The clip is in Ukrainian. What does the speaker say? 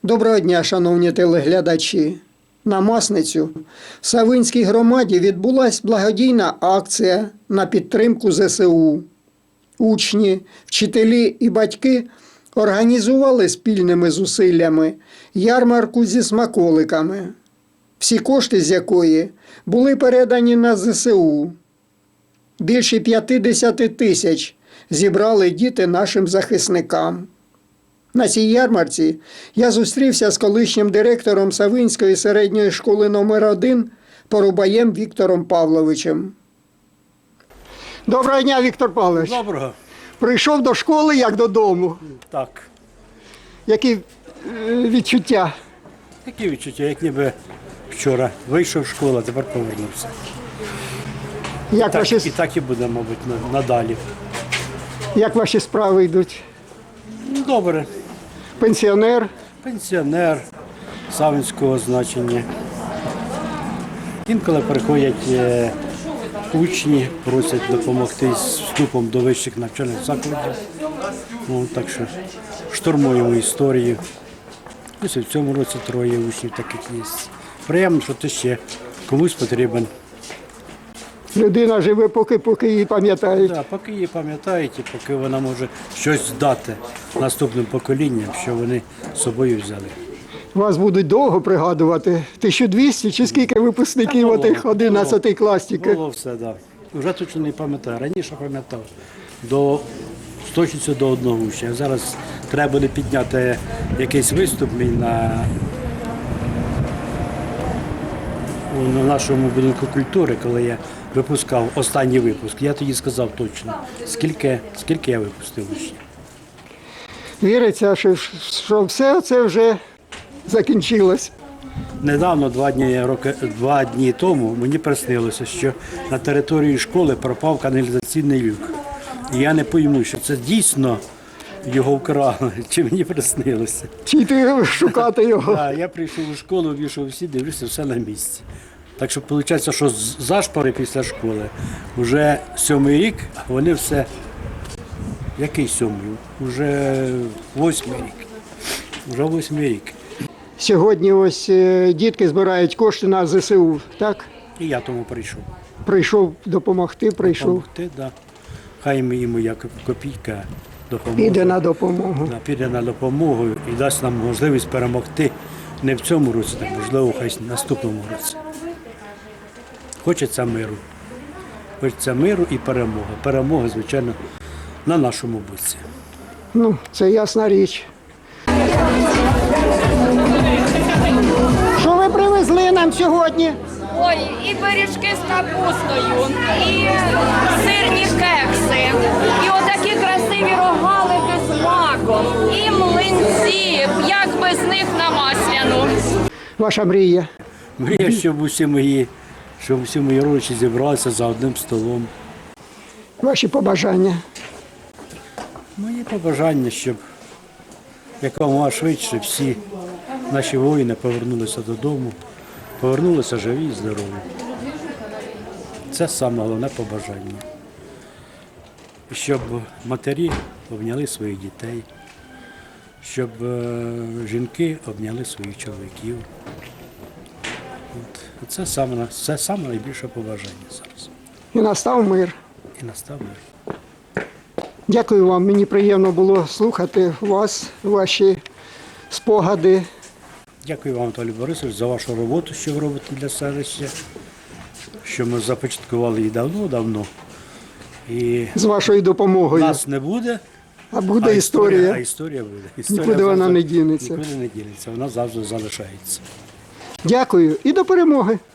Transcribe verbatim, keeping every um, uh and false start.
Доброго дня, шановні телеглядачі. На Масницю в Савинській громаді відбулася благодійна акція на підтримку зе се у. Учні, вчителі і батьки організували спільними зусиллями ярмарку зі смаколиками, всі кошти з якої були передані на зе се у. Більше п'ятдесят тисяч зібрали діти нашим захисникам. На цій ярмарці я зустрівся з колишнім директором Савинської середньої школи номер один Порубаєм Віктором Павловичем. Доброго дня, Віктор Павлович. Доброго. Прийшов до школи, як додому. Так. Які е, відчуття? Такі відчуття, як ніби вчора вийшов з школи, а тепер повернувся. Як, Так, ваші, і так і буде, мабуть, на- надалі. як ваші справи йдуть? Ну, добре. Пенсіонер? Пенсіонер савинського значення. Інколи приходять е, учні, просять допомогти з вступом до вищих навчальних закладів. Ну, так що штурмуємо історію. Ось і в цьому році троє учнів таких є. Приємно, що ти ще комусь потрібен. Людина живе, поки, поки її пам'ятають. Да, поки її пам'ятають і поки вона може щось дати наступним поколінням, що вони з собою взяли. Вас будуть довго пригадувати. тисячу двісті чи скільки випускників Та було, отих одинадцятий клас тільки? Було все, так. Да. Вже точно не пам'ятаю. Раніше пам'ятав. До з точністю до одного учня. Зараз треба буде підняти якийсь виступ мій на, на нашому будинку культури, коли я випускав останній випуск. Я тоді сказав точно, скільки, скільки я випустив учнів. Віриться, що, що все це вже закінчилось. Недавно, два дні, роки, два дні тому, мені приснилося, що на території школи пропав каналізаційний люк. І я не пойму, що це дійсно його вкрали, чи мені приснилося. Чи йти шукати його? А, я прийшов у школу, війшов всі, дивлюся, все на місці. Так що виходить, що з зашпори після школи вже сьомий рік, а вони все. Який сьомий? Уже восьмий рік. Вже восьмий рік. Сьогодні ось е, дітки збирають кошти на зе се у, так? І я тому прийшов. Прийшов допомогти, прийшов. Допомогти, да. Хай ми йому як копійка допоможе. Піде на допомогу. Да, піде на допомогу і дасть нам можливість перемогти не в цьому році, а можливо, хай в наступному році. Хочеться миру. Хочеться миру і перемоги. Перемога, звичайно, на нашому боці. Ну, це ясна річ. Що ви привезли нам сьогодні? Ой, і пиріжки з капустою, і сирні кекси, і отакі красиві рогалики з маком, і млинці, як без них на масляну. Ваша мрія. Мрія, щоб усі мої, щоб усі мої родичі зібралися за одним столом. Ваші побажання. Мої побажання, щоб якомога швидше всі наші воїни повернулися додому, повернулися живі і здорові. Це саме головне побажання. Щоб матері обняли своїх дітей, щоб е, жінки обняли своїх чоловіків. От. Це саме, це саме найбільше побажання зараз. І настав мир. І настав мир. Дякую вам. Мені приємно було слухати вас, ваші спогади. Дякую вам, Анатолій Борисович, за вашу роботу, що ви робите для селища, що ми започаткували її давно-давно. І З вашою допомогою. нас не буде, А буде а історія. А історія буде. Історія Нікуди вона завжди- не дінеться. Нікуди не дінеться, вона завжди залишається. Дякую і до перемоги.